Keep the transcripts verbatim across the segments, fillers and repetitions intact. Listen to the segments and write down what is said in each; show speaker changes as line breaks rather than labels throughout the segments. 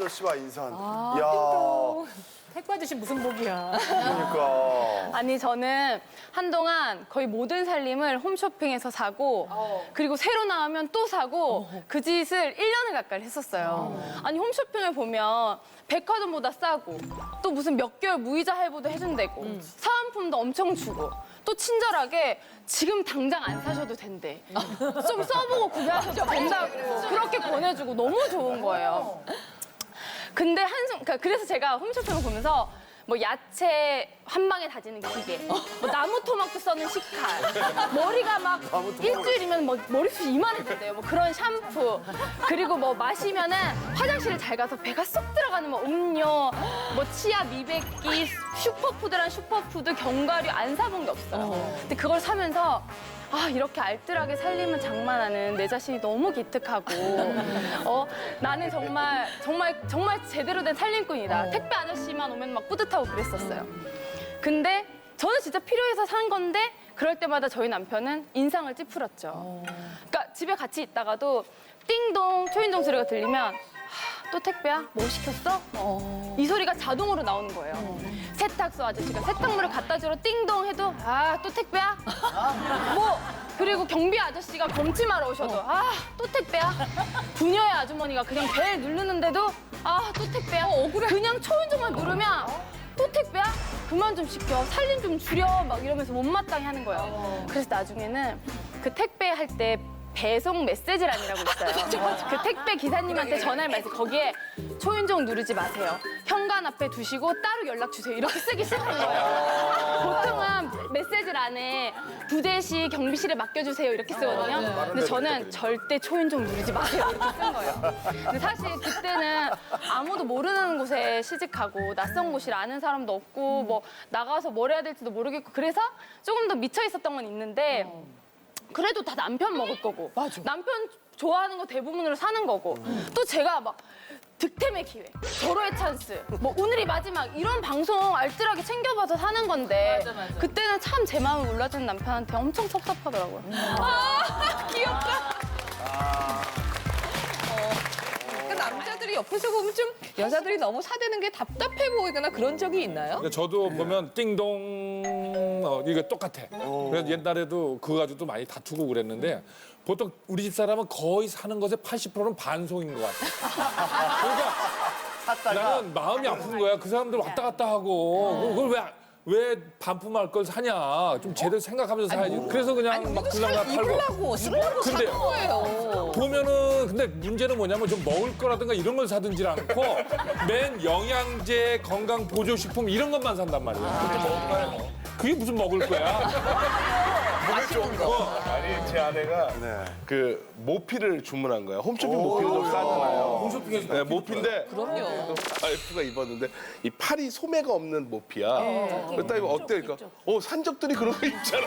아저씨와 인사한다.
아,
야,
택배 아저씨 무슨 복이야.
그러니까.
아니 저는 한동안 거의 모든 살림을 홈쇼핑에서 사고 그리고 새로 나오면 또 사고 그 짓을 일 년을 가까이 했었어요. 아니 홈쇼핑을 보면 백화점보다 싸고 또 무슨 몇 개월 무이자 할부도 해준대고 사은품도 엄청 주고 또 친절하게 지금 당장 안 사셔도 된대. 좀 써보고 구매하셔도 된다고 그렇게 권해주고 너무 좋은 거예요. 근데 한순, 그러니까 그래서 제가 홈쇼핑을 보면서 뭐 야채 한 방에 다지는 기계, 뭐 나무 토막도 써는 식칼, 머리가 막 일주일이면 뭐 머리숱이 이만해진대요. 뭐 그런 샴푸, 그리고 뭐 마시면은 화장실을 잘 가서 배가 쏙 들어가는 뭐 음료, 뭐 치아 미백기, 슈퍼푸드란 슈퍼푸드, 견과류 안 사본 게 없어요. 근데 그걸 사면서 아 이렇게 알뜰하게 살림을 장만하는 내 자신이 너무 기특하고 어 나는 정말 정말 정말 제대로 된 살림꾼이다. 택배 아저씨만 오면 막 뿌듯하고 그랬었어요. 근데 저는 진짜 필요해서 산 건데 그럴 때마다 저희 남편은 인상을 찌푸렸죠. 그러니까 집에 같이 있다가도 띵동 초인종 소리가 들리면 하, 또 택배야? 뭐 시켰어? 이 소리가 자동으로 나오는 거예요. 세탁소 아저씨가 세탁물을 갖다 주러 띵동 해도 아 또 택배야? 뭐 그리고 경비 아저씨가 검침하러 오셔도 아 또 택배야? 부녀의 아주머니가 그냥 벨 누르는데도 아 또 택배야? 그냥 초인종만 누르면 또 택배야? 그만 좀 시켜. 살림 좀 줄여. 막 이러면서 못마땅해 하는 거예요. 그래서 나중에는 그 택배 할 때 배송 메시지란이라고 있어요. 그 택배 기사님한테 전화를 말해서 거기에 초인종 누르지 마세요. 현관 앞에 두시고 따로 연락 주세요. 이렇게 쓰기 시작한 거예요. 보통은 메시지란에 부대시 경비실에 맡겨주세요 이렇게 쓰거든요. 근데 저는 절대 초인종 누르지 마세요 이렇게 쓴 거예요. 근데 사실 그때는 아무도 모르는 곳에 시집가고 낯선 곳이라 아는 사람도 없고 뭐 나가서 뭘 해야 될지도 모르겠고 그래서 조금 더 미쳐 있었던 건 있는데 그래도 다 남편 먹을 거고 남편 좋아하는 거 대부분으로 사는 거고 또 제가 막 득템의 기회, 절호의 찬스, 뭐 오늘이 마지막 이런 방송 알뜰하게 챙겨봐서 사는 건데
맞아, 맞아.
그때는 참 제 마음을 몰라주는 남편한테 엄청 섭섭하더라고요. 아 귀엽다.
그러니까 남자들이 옆에서 보면 좀 여자들이 너무 사대는 게 답답해 보이거나 그런 적이 있나요?
근데 저도 보면 띵동 어, 이게 똑같아. 그래서 옛날에도 그거 가지고도 많이 다투고 그랬는데 보통 우리 집 사람은 거의 사는 것의 팔십 퍼센트는 반송인 것 같아. 그러니까 나는 마음이 아픈 거야. 그 사람들 왔다 갔다 하고 그걸 왜 왜 반품할 걸 사냐. 좀 제대로 생각하면서 사야지. 그래서 그냥
아니
막
우리도
그냥
살
팔고.
입으려고 쓰려고
근데
사는 거예요.
보면은 근데 문제는 뭐냐면 좀 먹을 거라든가 이런 걸 사든지 않고 맨 영양제, 건강 보조식품 이런 것만 산단 말이야. 그게 무슨 먹을 거야?
몸에 좋은 거. 아니 제 아내가
네.
그 모피를 주문한 거야. 홈쇼핑 모피는 좀 싸잖아요.
홈쇼핑에서
네, 모피인데
그럼요.
와이프가 입었는데 이 팔이 소매가 없는 모피야. 그랬다 이거 어때? 그러니까 어 산적들이 그런 거 입잖아.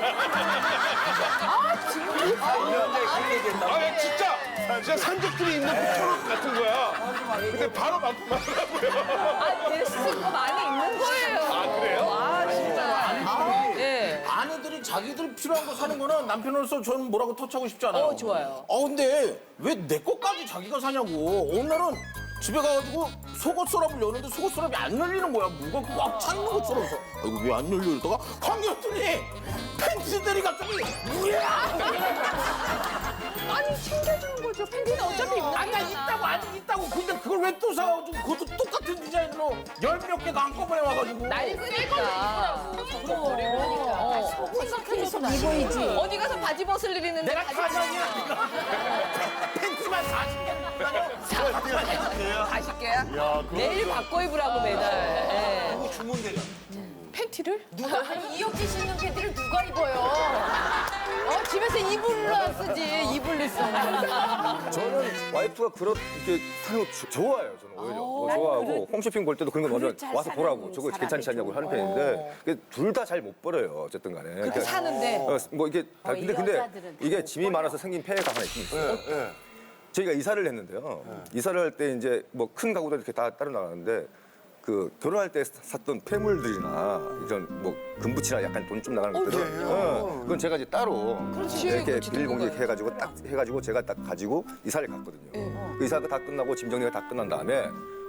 아 야, 진짜 진짜 산적들이 입는 모처럼 같은 거야. 근데 바로 반품하더라고요.
아, 내 쓰고 많이 있는 거예요.
아 그래요?
아, 진짜. 예.
아내들이 자기들 필요한 거 사는 거는 남편으로서 저는 뭐라고 터치하고 싶지 않아요.
어, 좋아요.
어, 근데 왜 내 것까지 자기가 사냐고. 어느 날은 집에 가가지고 속옷 서랍을 여는데 속옷 서랍이 안 열리는 거야. 뭐가 꽉 차 있는 것처럼. 그래서 아, 이거 왜 안 열려? 이러다가 황겼더니 팬츠들이 갑자기 뭐야?
아니, 챙겨주는 거죠. 팬티는 어차피 입는
아니, 나 있다고, 아직 있다고. 근데 그걸 왜 또 사가지고 그것도 똑같은 디자인으로 열 몇 개가 한꺼번에 와가지고.
날이 쓰니까. 어. 입어야지. 어디 가서 바지 벗을 일 있는데
내가
바지
사장이야. 팬츠만 사십 개.
사십 개야? 내일 바꿔 입으라고 매달. 예.
주문대려.
팬티를?
아니 이혁지 씨 있는 팬티를 누가 입어요? 어 집에서 이불로 쓰지 이불로 써.
저는 와이프가 그렇게 사는 거 조- 좋아해요. 저는 오히려 뭐 좋아하고 홈쇼핑 볼 때도 그런 거 먼저 와서 보라고 저거 괜찮지 않냐고 하는 편인데 둘 다 잘 못 벌어요. 어쨌든 간에. 그러니까
사는데.
어, 뭐 이게 다,
어,
근데
이
근데
여자들은
이게
못
짐이 많아서 생긴 폐해가 하나 있긴 있어요.
네, 네.
저희가 이사를 했는데요. 이사를 할 때 이제 뭐 큰 가구들 이렇게 다 따로 나가는데 그 결혼할 때 샀던 폐물들이나 이런 뭐 금붙이나 약간 돈 좀 나가는 것들은 어, 그건 제가 이제 따로 이렇게 비닐봉지 이렇게 해가지고 딱 해가지고 제가 딱 가지고 이사를 갔거든요. 그 이사가 다 끝나고 짐 정리가 다 끝난 다음에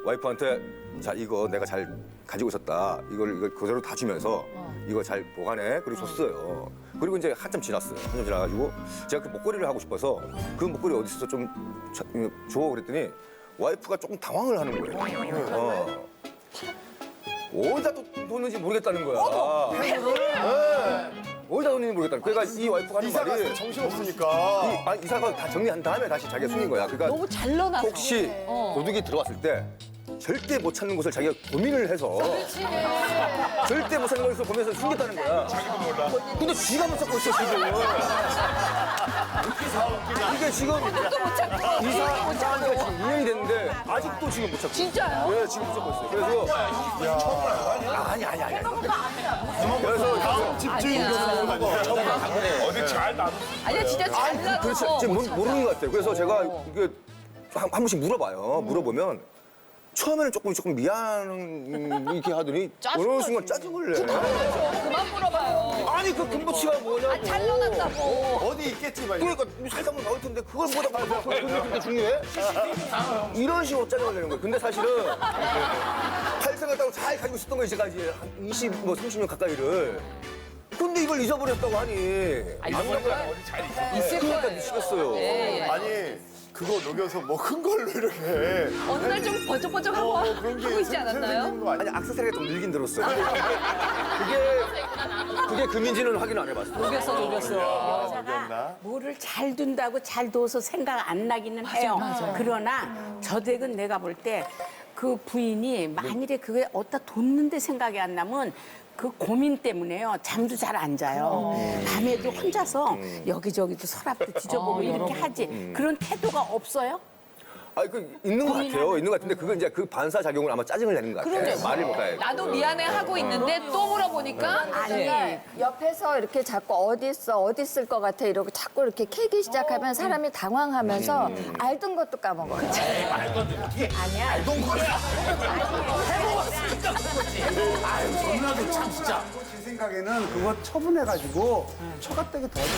와이프한테 자 이거 내가 잘 가지고 있었다. 이걸 이걸 그대로 다 주면서 이거 잘 보관해. 그리고 줬어요. 그리고 이제 한참 지났어요. 한참 지나가지고 제가 그 목걸이를 하고 싶어서 그 목걸이 어디 있어 좀 줘 그랬더니 와이프가 조금 당황을 하는 거예요. 어. 어디다 뒀는지 모르겠다는 거야. 네. 어디다 뒀는지 모르겠다는 거야. 그러니까 이 와이프가 하는
이사가
말이
정신 없으니까.
이, 아니, 이사가 다 정리한 다음에 다시 자기가 숨긴 거야. 그러니까
너무 잘 넣어놨어.
혹시 도둑이 들어왔을 때 절대 못 찾는 곳을 자기가 고민을 해서 절대 못 찾는 곳을 고민해서 숨겼다는 거야. 자기도 몰라. 근데 쥐가 못 찾고 있어 지금. 이게 지금 이사 이사하니까 지금 이 년이 됐는데 아직도 지금 못 찾고.
진짜요?
네, 지금 못 찾고 있어요. 그래서 아니 아니 아니. 그래서
다음 집주인 교수님 아니에요?
어디 잘 놔뒀
아니야 진짜 잘
아니,
나눠.
그렇죠. 지금 모르- 모르는 것 같아요. 그래서 제가 이게 한, 한 번씩 물어봐요. 물어보면 처음에는 조금 조금 미안 이렇게 하더니 어느 순간 짜증을 내.
그만 물어봐요.
아니 그 금붙이가 뭐냐고.
잘 넣어놨다고.
어디 있겠지, 막.
그러니까 살짝만 나올 텐데 그걸 뭐다 봐서 그게 그렇게 중요해? 이런 식으로 짜증을 내는 거예요. 근데 사실은 팔 생각하고 잘 가지고 있었던 거 이제까지 한 이십, 뭐 삼십 년 가까이를. 근데 이걸 잊어버렸다고 하니.
잊어버리니까 어디 잘 있어.
있을
그러니까
거예요.
미치겠어요.
아니, 그거 녹여서 뭐 큰 걸로 이렇게.
어느 날 좀 번쩍번쩍하고
어, 그런 게
하고 있지
생-
않았나요?
생긴 거 아니야?
아니 악세사리가 좀 늘긴 들었어요. 그게 그게 금인지는 확인 안 해봤어.
녹였어 녹였어.
녹였나?
뭐를 잘 둔다고 잘 둬서 생각 안 나기는 해요. 그러나 저 댁은 내가 볼 때 그 부인이 만일에 그게 어디다 뒀는데 생각이 안 나면 그 고민 때문에요. 잠도 잘 안 자요. 밤에도 혼자서 여기저기도 서랍도 뒤져보고 이렇게 하지. 그런 태도가 없어요?
아니 그 있는 것 같아요. 있는 것 같은데 그건 이제 그 반사 작용을 아마 짜증을 내는 것 같아요. 말을 못해.
나도 미안해 하고 있는데 또 물어보니까
아니 옆에서 이렇게 자꾸 어디 있어 어디 있을 것 같아 이러고 자꾸 이렇게 캐기 시작하면 사람이 당황하면서 알던 것도 까먹어.
제 생각에는 그거 처분해가지고 처갓댁에 더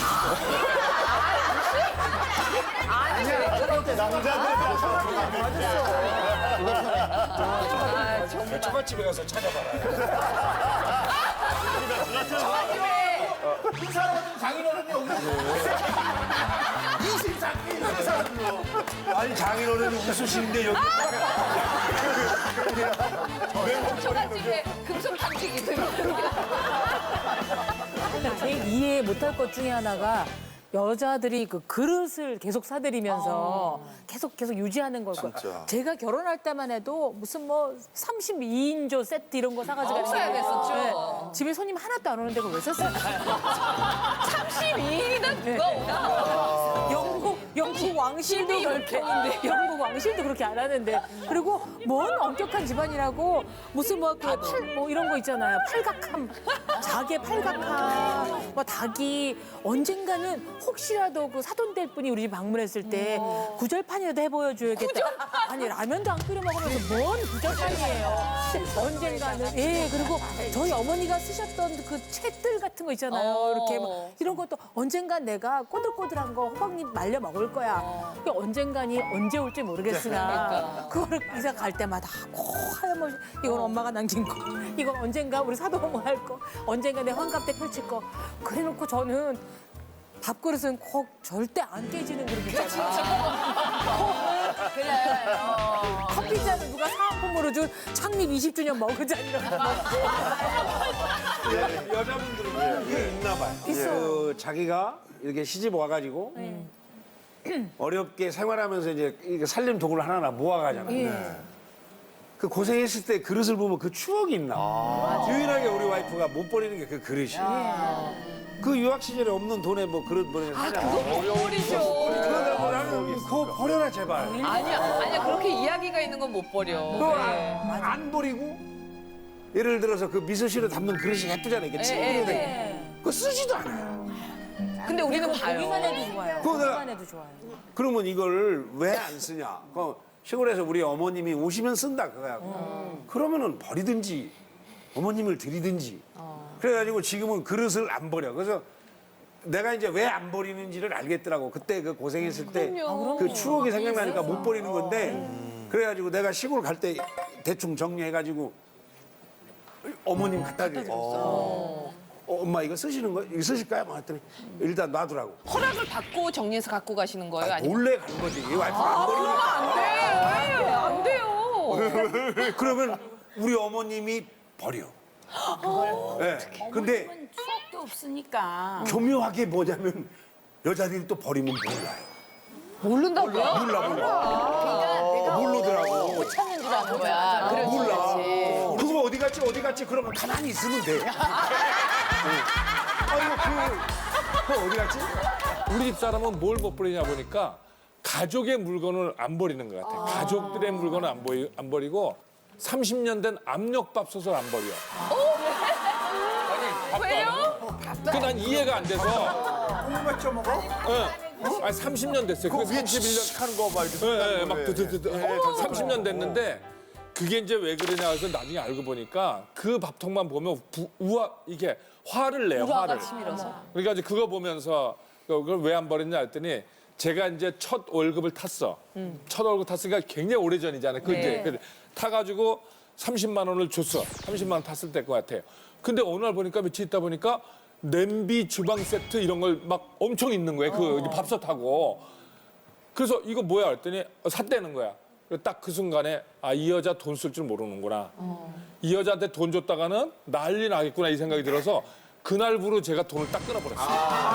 처갓집에 가서 찾아봐라.
아니 장인어른이 웃으시는데 여기
처갓집에 금속 탐지기 들고.
제일 이해 못할 것 중에 하나가 여자들이 그 그릇을 계속 사들이면서 계속 계속 유지하는 걸 거예요.
진짜.
제가 결혼할 때만 해도 무슨 뭐 삼십이 인조 세트 이런 거 사가지고
없어야 됐었죠.
네. 집에 손님 하나도 안 오는데 그걸 왜 샀어요?
삼십이 인이나 누가 오나?
영국 영국 왕실도 그렇게 영국 왕실도 그렇게 안 하는데 그리고 뭔 엄격한 집안이라고 무슨 뭐 그 팔 뭐 이런 거 있잖아요 팔각함 자개 팔각함 뭐 닭이 언젠가는 혹시라도 그 사돈될 분이 우리 집 방문했을 때 구절판이라도 해보여줘야겠다. 아니 라면도 안 끓여 먹으면서 뭔 구절판이에요. 언젠가는 예 그리고 저희 어머니가 쓰셨던 그 책들 같은 거 있잖아요. 이렇게 막 이런 것도 언젠간 내가 꼬들꼬들한 거 호박잎 말려 먹을 거야. 그게 언젠간이 언제 올지 모르겠으나 그거를 이사 갈 때마다 꼭 하염없이 이건 엄마가 남긴 거, 이건 언젠가 우리 사도어머 할 거, 언젠가 내 환갑 때 펼칠 거. 그래놓고 저는 밥그릇은 꼭 절대 안 깨지는 그릇 있잖아.
그래. 어.
커피잔은 누가 사은품으로 준 창립 이십 주년 머그잔 이런 거.
여자분들은 이게 있나 봐요.
있어.
그 자기가 이렇게 시집 와가지고 어렵게 생활하면서 이제 이게 살림 도구를 하나하나 모아가잖아요. 그 고생했을 때 그릇을 보면 그 추억이 있나 봐. 유일하게 우리 와이프가 못 버리는 게 그 그릇이야. 그 유학 시절에 없는 돈에 뭐 그릇 버리는 사냐.
버리죠.
그러다 보면 그거 버려라 제발.
아니야, 아니야. 그렇게 이야기가 있는 건 못 버려.
그거 안, 안 버리고 예를 들어서 그 미소시로 담는 그릇이 예쁘잖아요. 이게 칭그릇. 그거 쓰지도 않아요.
근데 우리는
보기만
봐요.
해도 좋아요.
그거 내가-
보기만 해도 좋아요.
그러면 이걸 왜 안 쓰냐? 그 시골에서 우리 어머님이 오시면 쓴다 그거야. 그러면은 버리든지 어머님을 드리든지. 그래가지고 지금은 그릇을 안 버려. 그래서 내가 이제 왜 안 버리는지를 알겠더라고. 그때 그 고생했을 때 그 추억이 생각나니까 못 버리는 건데 그래가지고 내가 시골 갈 때 대충 정리해가지고 어머님 갖다 드렸어. 어, 엄마 이거 쓰시는 거 이거 쓰실까요? 뭐 했더니 일단 놔두라고.
허락을 받고 정리해서 갖고 가시는 거예요? 아니면
몰래 가는 거지. 이 와이프가 안 버리니까.
안 돼. 안 돼요.
그러면 우리 어머님이 버려. 네. 근데
추억도 없으니까.
교묘하게 뭐냐면 여자들이 또 버리면 몰라요.
모른다고요?
몰라 몰라. 모르더라고.
못 찾는 줄 아는 거야. 그렇지,
몰라.
그렇지.
그거 어디 갔지 어디 갔지 그러면 가만히 있으면 돼. 아이고 그, 그 어디 갔지?
우리 집 사람은 뭘 못 버리냐 보니까 가족의 물건을 안 버리는 것 같아. 가족들의 물건을 안, 버리, 안 버리고 삼십 년 된 압력밥솥을 안 버려.
왜요?
그 난 이해가 안 돼서.
콩만 쪄 먹어?
응. 아니 삼십 년 됐어요.
그
그게
위에
삼십일 년
칙칙한 거 막 이렇게.
예, 예, 막 드드드드. 삼십 년 됐는데 그게 이제 왜 그러냐 해서 나중에 알고 보니까 그 밥통만 보면 부, 우아 이게 화를 내요. 화를.
치밀어서.
그러니까 이제 그거 보면서 그걸 왜 안 버렸냐 했더니 제가 이제 첫 월급을 탔어. 첫 월급 탔으니까 굉장히 오래 전이잖아요. 그 이제 그 타가지고 삼십만 원을 줬어. 삼십만 원 탔을 때 것 같아요. 근데 어느 날 보니까 며칠 있다 보니까 냄비 주방 세트 이런 걸 막 엄청 있는 거예요. 그 밥솥하고. 그래서 이거 뭐야 했더니 샀다는 거야. 딱 그 순간에 아, 이 여자 돈 쓸 줄 모르는구나. 이 여자한테 돈 줬다가는 난리 나겠구나 이 생각이 들어서 그날부로 제가 돈을 딱 끊어버렸어요.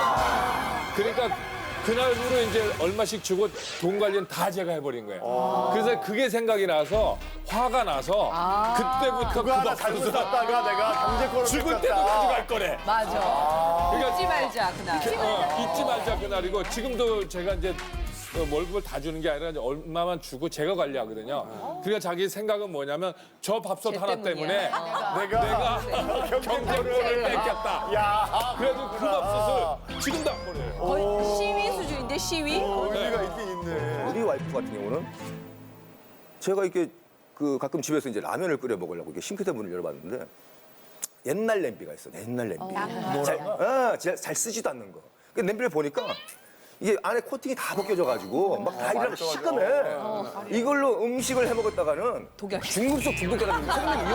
그러니까 그날부로 이제 얼마씩 주고 돈 관리는 다 제가 해버린 거예요. 그래서 그게 생각이 나서 화가 나서 그때부터
그거 하나 잘못
밥솥을
샀다가 내가 경제권을
죽을 때도
뺏겼다.
가져갈 거래.
맞아.
그러니까
잊지 말자 그날.
어, 잊지 말자 그날이고 지금도 제가 이제 어, 월급을 다 주는 게 아니라 이제 얼마만 주고 제가 관리하거든요. 그러니까 자기 생각은 뭐냐면 저 밥솥 하나 때문에 내가, 경제권을 뺏겼다.
야,
그래도 그 밥솥을 지금도 안 버려요.
거의 시위 수준인데 시위?
의미가 있긴 있네.
우리 와이프 같은 경우는 제가 이렇게 그 가끔 집에서 이제 라면을 끓여 먹으려고 이렇게 싱크대 문을 열어봤는데 옛날 냄비가 있어. 옛날 냄비. 잘, 어, 잘, 잘 쓰지도 않는 거. 그 냄비를 보니까 이게 안에 코팅이 다 벗겨져가지고 막 다 이러면 시커매. 이걸로 음식을 해 먹었다가는 중급속 중독자라는 생명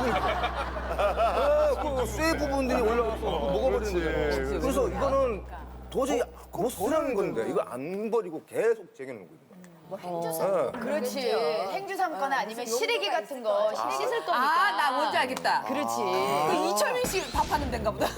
위험을 그 쇠 부분들이 올라와서 먹어버리는 거예요. 그래서 이거는 도저히 못 쓰는 건데 이거 안 버리고 계속 쟁여놓는 거예요.
뭐 행주삼. 그렇지. 행주삼거나 아니면 시래기 같은 거. 씻을 거니까.
아, 나 뭔지 알겠다.
그렇지.
그 이철민 씨 밥하는 데인가 보다.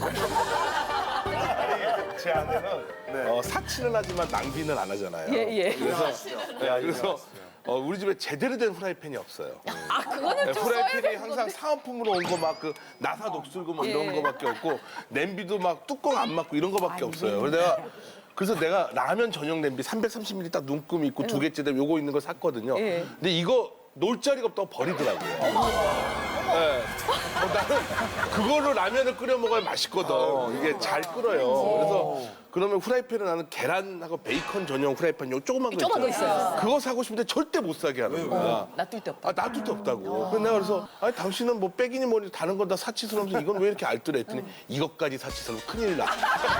제 아내는 어, 사치는 하지만 낭비는 안 하잖아요.
예, 예.
그래서 네, 그래서 어, 우리 집에 제대로 된 후라이팬이 없어요.
아, 그거는 좀
후라이팬이
써야
항상 사은품으로 온 거 막 그 나사 녹슬고 뭐 이런 거밖에 없고 냄비도 막 뚜껑 안 맞고 이런 거밖에 없어요. 그래서 내가 그래서 내가 라면 전용 냄비 삼백삼십 밀리리터 딱 눈금 있고 두 개째 되면 요거 있는 거 샀거든요.
예.
근데 이거 놓을 자리가 없다고 버리더라고요. 네. 어, 나는 그걸로 라면을 끓여 먹어야 맛있거든. 이게 잘 끓어요. 그래서 그러면 후라이팬은 나는 계란하고 베이컨 전용 후라이팬 요 조그만 거
조그만 거
있잖아요.
있어요.
그거 사고 싶은데 절대 못 사게 하는 거야.
놔둘 데 없다.
아, 놔둘 데 없다고. 그래서 내가 그래서 아니 당신은 뭐 빼기니 뭐니 다른 건 다 사치스러워서 이건 왜 이렇게 알뜰해 했더니 이것까지 사치스러우면 큰일 나.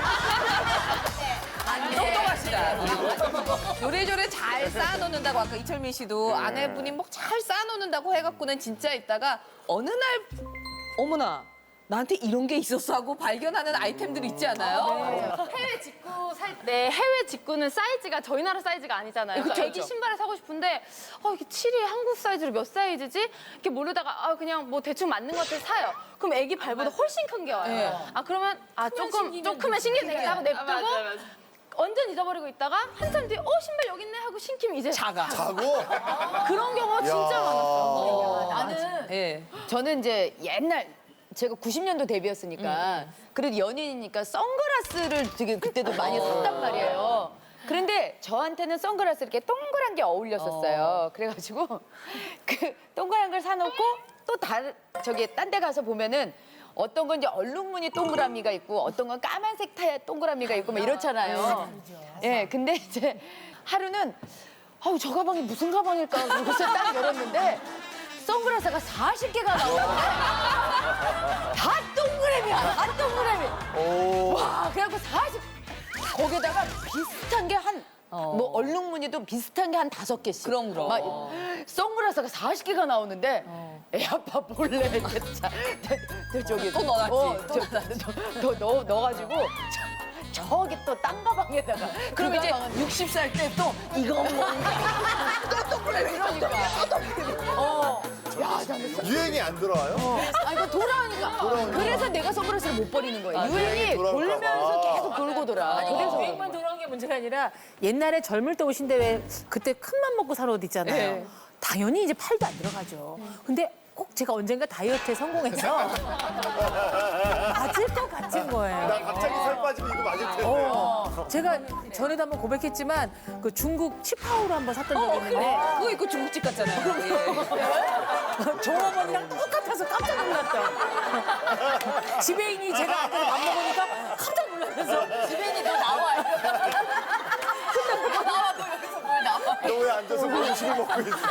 똑똑하시다. 요래조래 잘 쌓아놓는다고 아까 이철민 씨도 아내분이 뭐 잘 쌓아놓는다고 해갖고는 진짜 있다가 어느 날 어머나 나한테 이런 게 있었어 하고 발견하는 아이템들 있지 않아요?
해외 직구 살 때 해외 직구는 사이즈가 저희 나라 사이즈가 아니잖아요.
그쵸,
애기
그쵸.
신발을 사고 싶은데 어, 이게 칠이 한국 사이즈로 몇 사이즈지? 이렇게 모르다가 아, 그냥 뭐 대충 맞는 것들 사요. 그럼 애기 발보다 훨씬 큰 게 와요.
네.
아 그러면 아 조금 좀 크면 신기해 되겠다 하고 냅두고 완전 잊어버리고 있다가 한참 뒤에 어 신발 여기 있네 하고 신기면 이제
작아.
자고?
그런 경우가 진짜 많았어요.
나는
예.
저는 이제 옛날 제가 구십 년도 데뷔였으니까 그래도 연인이니까 선글라스를 되게 그때도 많이 샀단 말이에요. 그런데 저한테는 선글라스 이렇게 동그란 게 어울렸었어요. 그래가지고 그 동그란 걸 사놓고 또 다른 저기 딴 데 가서 보면은 어떤 건 이제 얼룩무늬 동그라미가 있고 어떤 건 까만색 타야 동그라미가 있고 막 이렇잖아요. 예, 근데 이제 하루는 아우 저 가방이 무슨 가방일까 그래서 딱 열었는데 선글라스가 사십 개가 나오는데 다 동그라미야, 다 동그라미. 와, 그래갖고 사십 거기다가 비슷한 게 한 뭐 얼룩무늬도 비슷한 게 한 다섯 개씩.
그럼, 그럼.
막 선글라스가 사십 개가 나오는데
애 아빠 몰래 이렇게 자, 저, 저기
또 넣어놨지.
어, 저, 저, 더 넣어 넣어가지고 저, 저기 또 딴 가방에다가
그럼
그
이제
가방은
육십 살 때 또 이거 뭔가 또또 그래
이러니까 어. 야, 나는
유행이 안 들어와요?
아 이거 돌아오니까. 그래서 내가 선글라스를 못 버리는 거예요. 유행이
유행이 돌아올까
돌면서
봐.
계속 돌고 돌아.
아니,
그래서
유행만 돌아온 게 문제가 아니라 옛날에 젊을 때 옷인데 왜 그때 큰맘 먹고 살 옷 있잖아요.
네.
당연히 이제 팔도 안 들어가죠. 근데 꼭 제가 언젠가 다이어트에 성공해서 맞을 것 같은 거예요.
나 갑자기 살 빠지면 이거 맞을 텐데.
어, 제가 전에도 한번 고백했지만 그 중국 치파오를 한번 샀던 적이 있는데
그거 입고 중국집 갔잖아요. 예.
종업원이랑 똑같아서 깜짝 놀랐다. 지배인이 제가 아까 밥 먹으니까 깜짝 놀라면서
지벤이 더 나와. 근데 뭐 나와 너 여기서 뭘 나와?
너 왜 앉아서 그 음식을 먹고 있어?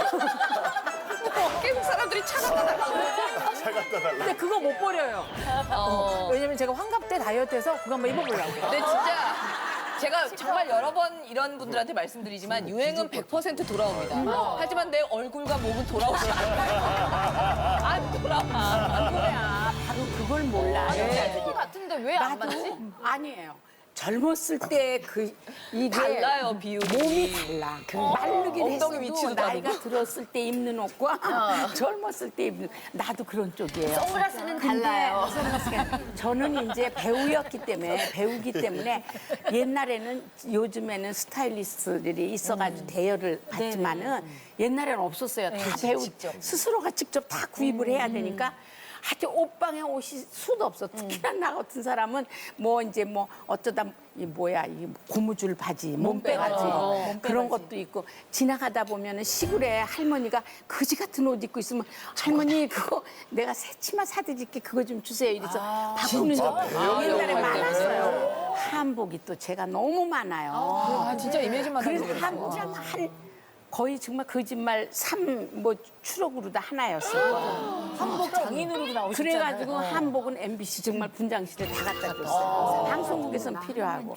깨국 사람들이 차 갖다 달라고.
잘 갖다 달라.
근데 그거 못 버려요. 어, 왜냐면 제가 환갑 때 다이어트해서 그거 한번 입어보려고.
근데 진짜 제가 정말 여러 번 이런 분들한테 말씀드리지만 유행은 백 퍼센트 돌아옵니다. 하지만 내 얼굴과 몸은 돌아오지 않아요. 안 돌아와.
그거야. 바로 그걸 몰라.
그거 같은데 왜 안 맞지?
아니에요. 젊었을 때 그 이게
달라요, 비율이.
몸이 달라. 그 마르긴
엉덩이
했어도
위치도
나이가
다르고.
들었을 때 입는 옷과 젊었을 때 입는 나도 그런 쪽이에요.
선글라스는
근데
달라요.
선글라스가 저는 이제 배우였기 때문에 배우기 때문에 옛날에는 요즘에는 스타일리스트들이 있어가지고 대여를 받지만은 옛날에는 없었어요. 다 배우 스스로가 직접 다 구입을 해야 되니까. 하여튼 옷방에 옷이 수도 없어. 특히나 나 같은 사람은 뭐 이제 뭐 어쩌다 이 뭐야 이 고무줄 바지, 몸빼 바지 그런 것도 있고 지나가다 보면은 시골에 할머니가 거지 같은 옷 입고 있으면 할머니 그거 내가 새 치마 사드릴게 그거 좀 주세요. 이래서 바꾸는 적 옛날에 많았어요. 한복이 또 제가 너무 많아요.
아, 진짜 이미지만
그래서
다르게
한복 한 거의 정말 거짓말 삼 뭐 추록으로 다 하나였어요.
한복 장인으로도 나오셨잖아요.
그래가지고 한복은 엠비씨 정말 분장실에 다 갖다 줬어요. 방송국에선 필요하고.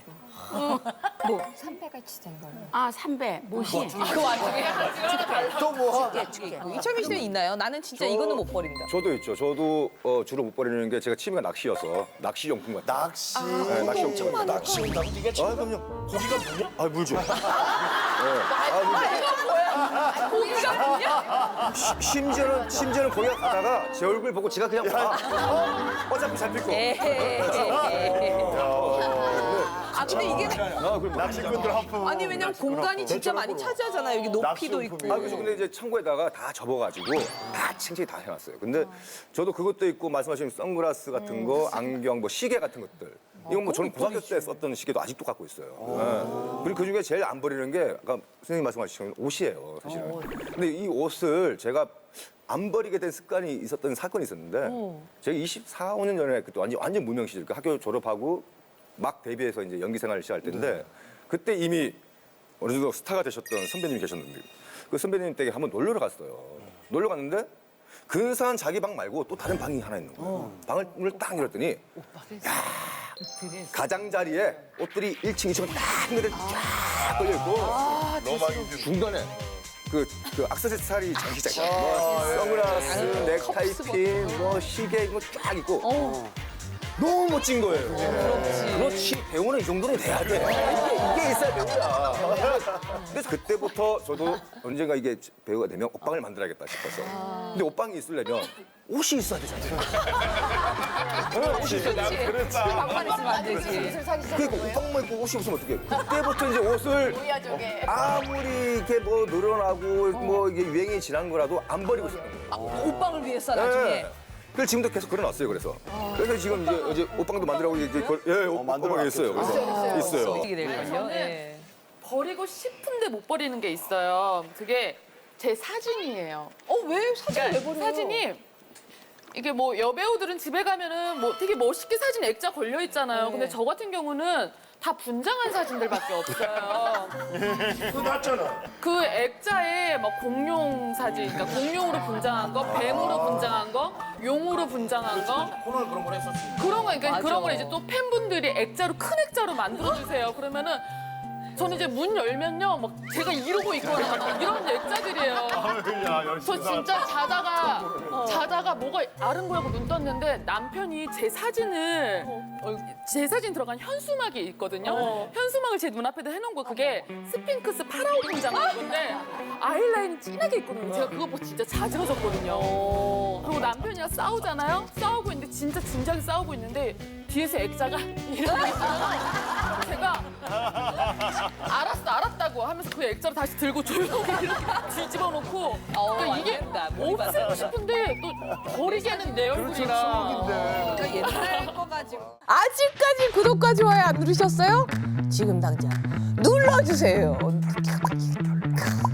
뭐?
삼패같이 된 걸로.
아, 삼배, 못이.
그 와중에
또 뭐?
이철민 씨는 있나요? 나는 진짜 이거는 못 버린다.
저도 있죠. 저도 어, 주로 못 버리는 게 제가 취미가 낚시여서 낚시 용품 같은 거.
낚시.
네, 낚시 용품 같은 거.
낚시. 네가 지금. 아, 그럼요.
고기가 뭐냐? 아, 물죠.
고기가 뭐냐?
심지어는 심지어는 거기 가다가 제 얼굴 보고 제가 그냥 와. 어차피 잡힐 거.
아 근데 이게
아, 그럼
낚시꾼들 하품.
아니 왜냐면 공간이 진짜 많이 차지하잖아요. 여기 높이도 있고.
아, 그래서 근데 이제 창고에다가 다 접어가지고 다 챙챙이 다 해놨어요. 근데 저도 그것도 있고 말씀하신 선글라스 같은 거, 안경, 뭐 시계 같은 것들. 이건 뭐 저는 고등학교 때 썼던 시계도 아직도 갖고 있어요. 네. 그리고 그 중에 제일 안 버리는 게 아까 선생님 말씀하신 옷이에요, 사실은. 근데 이 옷을 제가 안 버리게 된 습관이 있었던 사건이 있었는데 제가 이십사, 오 년 전에 그때 완전 완전 무명 시절, 그 학교 졸업하고 막 데뷔해서 이제 연기 생활을 시작할 때인데 그때 이미 어느 정도 스타가 되셨던 선배님이 계셨는데 그 선배님 댁에 한번 놀러 갔어요. 놀러 갔는데 근사한 자기 방 말고 또 다른 방이 하나 있는 거예요. 방을 문을 딱 열었더니 야, 가장자리에 옷들이 일 층, 이 층 딱 한가득 쫙 걸려 있고 중간에 그, 그 액세서리 전시장, 뭐 선글라스, 넥타이 핀, 뭐 시계 이거 쫙 있고 너무 멋진 거예요. 그렇지. 그렇지. 배우는 이 정도는 돼야 돼. 이게, 이게 있어야 배우야. 그래서 그때부터 저도 언젠가 이게 배우가 되면 옷방을 만들어야겠다 싶어서. 근데 옷방이 있으려면 옷이 있어야 되잖아요. 네, 옷이 있어야 돼.
그랬지.
방만 있으면 안 되지.
그러니까 옷방만 입고 옷이 없으면 어떡해. 그때부터 이제 옷을 아무리 이렇게 뭐 늘어나고 뭐 이게 유행이 지난 거라도 안 버리고 싶은 거예요.
옷방을 위해서 나중에.
네. 그래서 지금도 계속 걸어놨어요. 그래서 그래서 지금 이제 어제 옷방도 만들라고 이제 걸- 예, 옷- 옷방에 있어요. 그래서 있어요.
어떻게 될걸요? 예.
버리고 싶은데 못 버리는 게 있어요. 그게 제 사진이에요.
어 왜 사진을 왜 버려?
사진이 이게 뭐 여배우들은 집에 가면은 뭐 되게 멋있게 사진 액자 걸려 있잖아요. 근데 저 같은 경우는 다 분장한 사진들밖에 없어요.
그거 낫잖아.
그 액자에 막 공룡 사진, 그러니까 공룡으로 분장한 거, 뱀으로 분장한 거, 용으로 분장한 거.
코너는 그런 걸 했었어.
그런 거, 그러니까
맞아.
그런 걸 이제 또 팬분들이 액자로 큰 액자로 만들어 주세요. 그러면은 저는 이제 문 열면요, 막 제가 이러고 있거나 막 이런 액자들이에요.
야, 열심히.
저 진짜 자다가 자다가 뭐가 아른거리고 눈 떴는데 남편이 제 사진을 어, 제 사진 들어간 현수막이 있거든요. 현수막을 제 눈앞에다 해놓은 거 그게 스핑크스 파라오 공장 건데 아이라인이 진하게 있거든요. 제가 그거 보고 진짜 자지러졌거든요. 그리고 남편이랑 싸우잖아요. 싸우고 있는데 진짜 진지하게 싸우고 있는데 뒤에서 액자가 이러고 있어요. 제가 알았어 알았다고 하면서 그 액자를 다시 들고 조용히 이렇게 뒤집어 놓고 그러니까 이게 없애고 싶은데 또 버리기에는 내 얼굴이라
그러니까 옛날 거 가지고.
아직까지 구독과 좋아요 안 누르셨어요? 지금 당장 눌러주세요.